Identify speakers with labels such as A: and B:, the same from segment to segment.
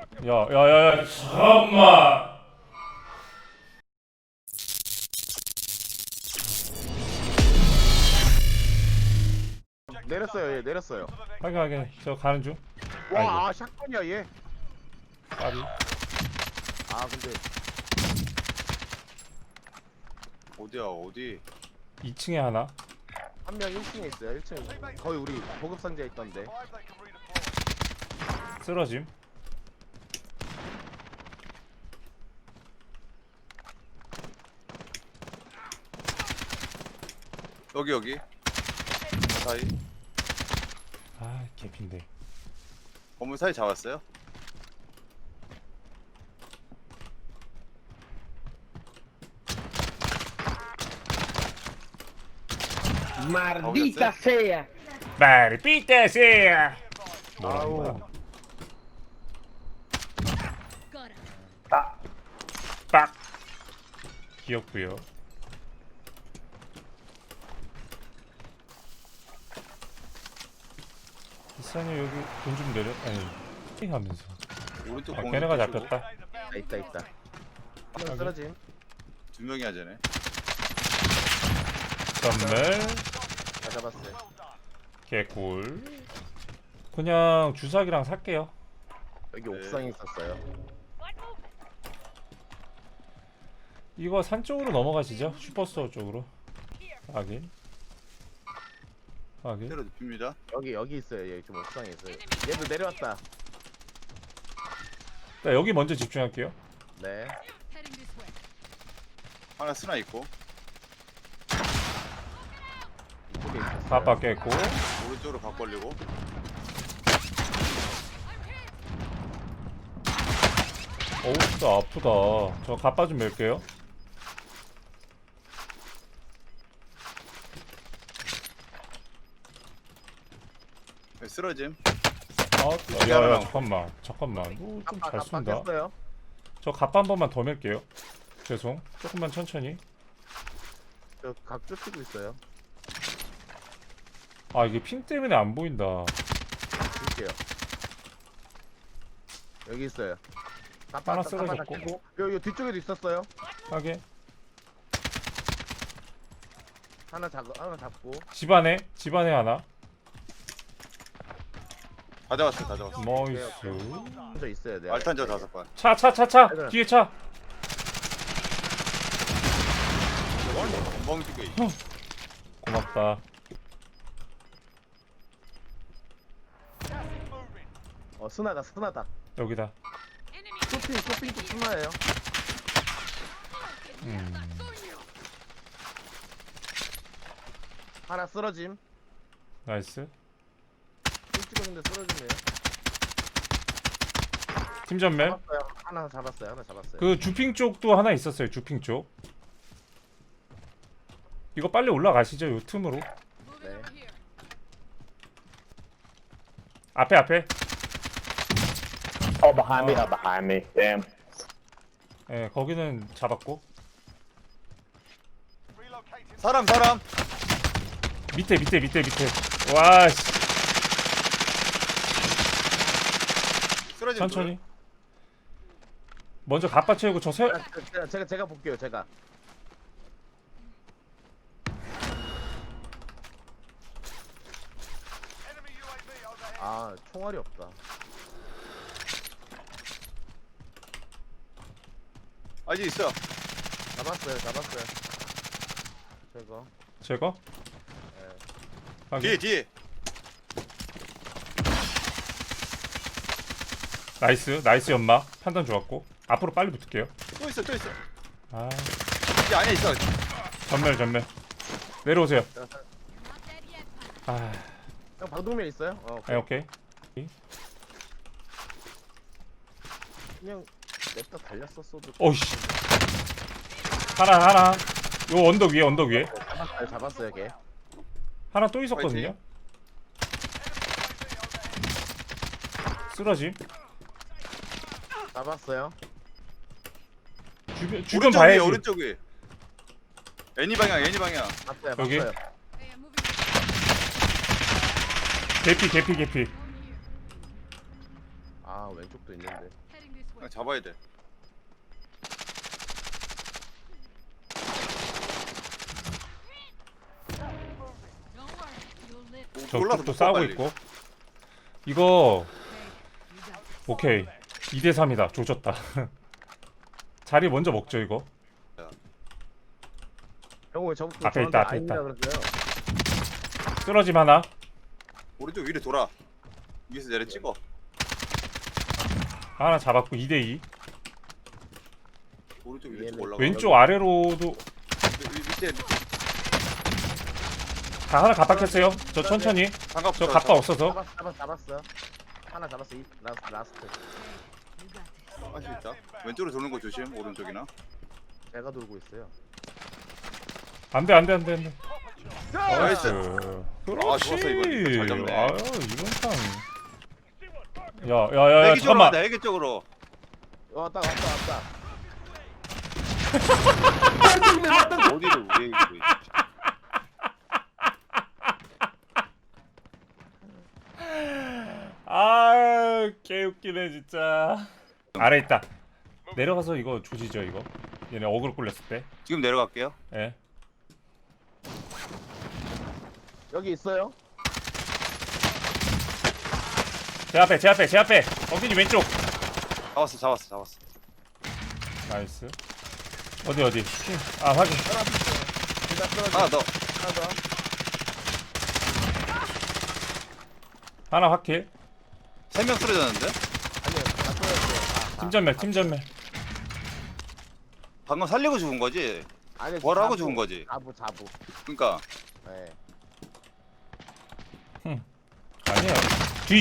A: 야야야야 잠깐만.
B: 내렸어요. 얘 내렸어요.
A: 하게 저 가는 중.
B: 와, 샷건이야 얘.
A: 까비.
B: 아 근데
C: 어디야 어디?
A: 2층에 하나.
B: 한 명 1층에 있어요. 1층 거의 우리 보급 상자에 있던데.
A: 쓰러짐.
C: 여기 사이
A: 아 개핀데.
C: 건물 사이 잡았어요?
D: Maldita sea.
A: 말피테세야.
B: 아우.
A: 뭐라고? 빡. 귀엽고요. 이사님 여기 돈 좀 내려. 아니 하면서.
C: 오른쪽
A: 아
C: 공이
A: 걔네가
C: 뚫고
A: 잡혔다.
B: 있다. 한 명 쓰러짐.
C: 두 명이 하자네.
A: 선물.
B: 다 잡았어요.
A: 개꿀. 그냥 주사기랑 살게요.
B: 여기 옥상에 있었어요.
A: 이거 산 쪽으로 넘어가시죠. 슈퍼스토어 쪽으로. 확인. 확인.
C: 때려 눕힙니다.
B: 여기 있어요. 얘 지금 옥상에 있어요. 얘도 내려왔다.
A: 자, 여기 먼저 집중할게요.
B: 네.
C: 하나 쓰나 있고
B: 이쪽에 있었어요.
A: 다 바뀌었고.
C: 오른쪽으로 각 벌리고
A: 어우 진짜 아프다. 저 가빠 좀 멜게요.
C: 네, 쓰러짐.
A: 야야 잠깐만. 좀 잘 쏜다.
B: 바뀌었어요.
A: 저 가빠 한 번만 더 멜게요. 죄송. 조금만 천천히.
B: 저각 쫓기고 있어요.
A: 아 이게 핑 때문에 안 보인다.
B: 줄게요. 여기 있어요.
A: 하나 쓰러졌고.
B: 여기 뒤쪽에도 있었어요.
A: 하게.
B: 하나 잡고.
A: 집안에 하나.
C: 다 잡았어.
A: 나이스.
B: 혼자 있어야 돼.
C: 알탄저 5발.
A: 차. 뒤에 차.
C: 멍튀기.
A: 고맙다.
B: 스나다.
A: 여기다.
B: 쇼핑 쪽 스나예요. 하나 쓰러짐.
A: 나이스.
B: 핑 찍었는데 쓰러지네요.
A: 팀 전멸.
B: 잡았어요. 하나 잡았어요.
A: 그 주핑 쪽도 하나 있었어요. 주핑 쪽. 이거 빨리 올라가시죠. 요 틈으로.
B: 네.
A: 앞에.
D: Oh, behind me. Oh, behind me. Damn.
A: 예, 거기는 잡았고.
C: 사람.
A: 밑에. 와, 씨.
C: 쓰러짐.
A: 천천히. 먼저 갑바 채우고 저 세.
B: 제가 볼게요. 제가. 아, 총알이 없다.
C: 아직 있어.
B: 잡았어요.
A: 제거.
B: 네.
A: 확인.
C: 뒤에.
A: 나이스 연마. 판단 좋았고. 앞으로 빨리 붙을게요.
C: 또 있어.
A: 아,
C: 이 안에 있어.
A: 전멸. 내려오세요. 아,
B: 형 방독면 있어요?
A: 오케이.
B: 그냥 냅다 달렸었어도.
A: 오씨. 하나. 요 언덕 위에.
B: 잡았어요, 걔.
A: 하나 또 있었거든요. 쓰러짐.
B: 잡았어요.
A: 주변 봐야지.
C: 오른쪽 위에. 애니 방향.
A: 여기?
B: 봤어요.
A: 개피.
B: 아, 왼쪽도 있는데.
C: 그냥 잡아야 돼.
A: 저쪽도 싸우고 있고. 이거 오케이 2대 3이다. 조졌다. 자리 먼저 먹죠 이거.
B: 형 왜 저부터
A: 앞에
B: 저한테
A: 있다, 앞에
B: 아닙니다
A: 있다.
B: 그러세요?
A: 쓰러짐 하나.
C: 오른쪽 위로 돌아. 위에서 내려 찍어.
A: 하나 잡았고 2대 2.
C: 오른쪽 위로 쭉
B: 얘는
C: 올라가.
A: 왼쪽 아래로도
C: 밑에
A: 다 하나 갑박했어요. 저 천천히.
C: 장갑
A: 저 갑바 없어서.
B: 잡았어. 하나 잡았어. 이 라스트.
C: 할수 있다. 왼쪽으로 도는 거 조심. 오른쪽이나.
B: 제가 돌고 있어요.
A: 안돼 안돼 안돼 안돼.
C: 나이스.
A: 그렇지.
C: 좋았어, 이거. 잘 잡네.
A: 아유 이건 참. 야야야야
C: 헬기 쪽으로
A: 잠깐만.
C: 간다. 헬기 쪽으로.
B: 왔다.
C: 어디를 왜 이거?
A: 아 개웃기네 진짜. 아래 있다. 내려가서 이거 조지죠 이거. 얘네 어그로 꿀렸을 때.
C: 지금 내려갈게요.
A: 예.
B: 여기 있어요.
A: 제 앞에. 어빈이 왼쪽.
C: 잡았어.
A: 나이스. 어디. 아 확인.
C: 하나 더.
B: 하나 더.
A: 하나 확킬.
C: 3명 쓰러졌는데?
B: 아니요. 다 떨어졌어요.
A: 팀전멸.
C: 방금 살리고 죽은 거지?
B: 아니
C: 뭐라고 죽은 거지?
B: 자부.
C: 그러니까
B: 네.
A: 아니야. 뒤.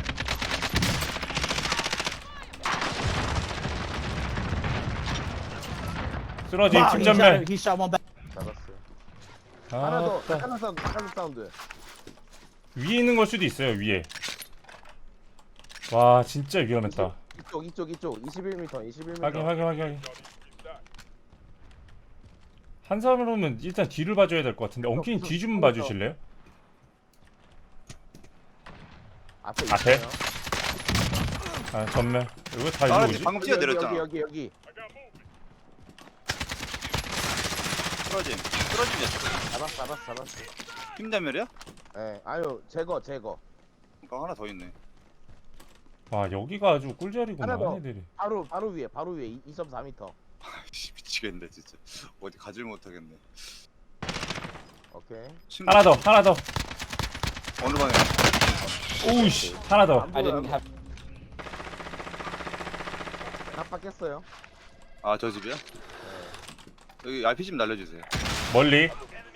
A: 쓰러짐 팀전멸.
B: 잡았어요. 하나 더.
A: 아따.
B: 하나 사운드.
A: 위에 있는 걸 수도 있어요 위에. 와 진짜 위험했다.
B: 이쪽 21m.
A: 확인. 한 사람으로는 일단 뒤를 봐줘야 될 것 같은데 엉키님 뒤 좀 봐주실래요?
B: 앞에.
A: 앞에?
B: 있어요.
A: 아 전멸. 이거 다
C: 아,
A: 일로 오지?
C: 방금 뛰어내렸잖아.
B: 여기.
C: 쓰러짐이야.
B: 잡았어.
C: 힘담멸이야?
B: 네. 아유 제거.
C: 그러니까 하나 더 있네.
A: 와 여기가 아주 꿀자리구나
B: 하나 더.
A: 얘들이.
B: 바로 위에 2.4m.
C: 아이씨 미치겠네 진짜. 어디 가질 못하겠네.
B: 오케이.
C: 친구
A: 하나 더.
C: 어느 방에?
A: 오우씨 하나 더.
B: 안 보여요. 깜빡했어요.
C: 아 저 집이야? 여기 RPG 좀 날려주세요.
A: 멀리.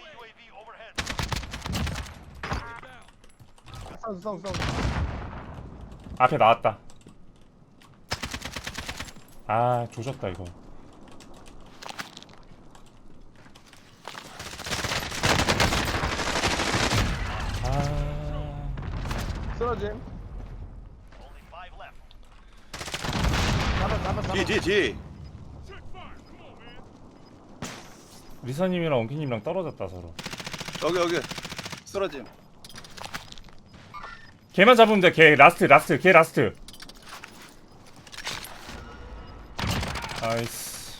B: 사운드.
A: 앞에 나왔다. 아 조졌다 이거. 아
B: 쓰러짐. 잡아.
C: 뒤.
A: 리사님이랑 엉키님이랑 떨어졌다 서로.
C: 여기 쓰러짐.
A: 걔만 잡으면 돼. 걔 라스트. 걔 라스트. 나이스.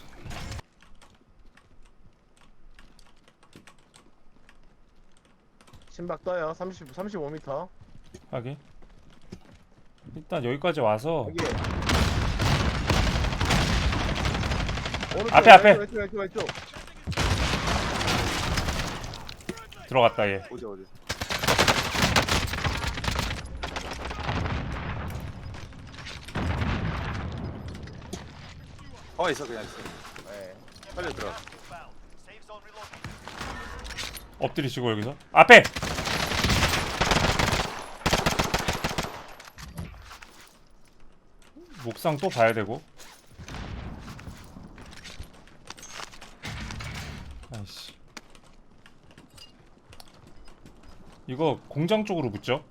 B: 심박 떠요. 35m.
A: 하긴. 일단 여기까지 와서
B: 여기. 오른쪽,
A: 앞에.
B: 왼쪽.
A: 들어갔다 얘.
C: 어디 있어 그냥 있어.
B: 네.
C: 빨리 들어.
A: 엎드리시고 여기서 앞에. 목상 또 봐야 되고. 아이씨. 이거 공장 쪽으로 붙죠?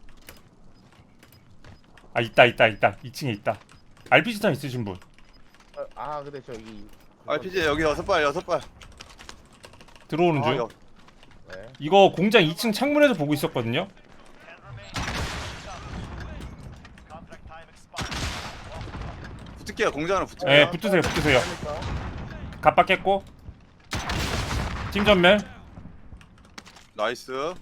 A: 아 있다 2층에 있다. RPG탄 있으신 분
B: 근데 저기
C: RPG 여기 6발.
A: 들어오는 중.
B: 네.
A: 이거 공장 2층 창문에서 보고 있었거든요.
C: 붙을게요. 공장으로 붙을게요.
A: 예, 붙으세요. 갑박했고. 팀 전멸.
C: 나이스.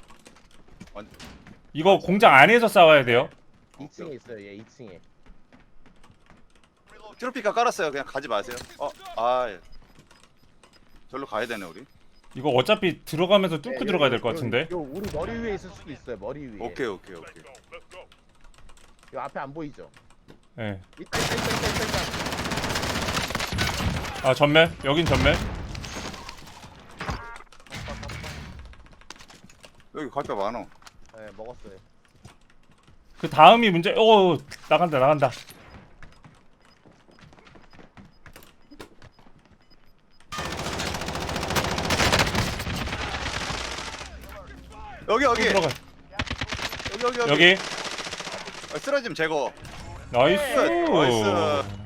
A: 이거 공장 안에서 싸워야 돼요.
B: 2층에 있어요. 얘 2층에.
C: 트로피카 깔았어요. 그냥 가지 마세요. 예. 절로 가야 되네 우리.
A: 이거 어차피 들어가면서 뚫고 들어가야 될 것 같은데.
B: 요 우리 머리 위에 있을 수도 있어요. 머리 위에.
C: 오케이.
B: 요 앞에 안 보이죠?
A: 예.
B: 있다.
A: 아, 전멸. 여긴 전멸.
C: 여기 갈뼈 많어.
B: 네, 먹었어요.
A: 그 다음이 문제. 오, 나간다.
C: 여기.
A: 또 들어가.
C: 여기.
A: 여기.
C: 쓰러짐 제거.
A: 나이스.
C: 나이스.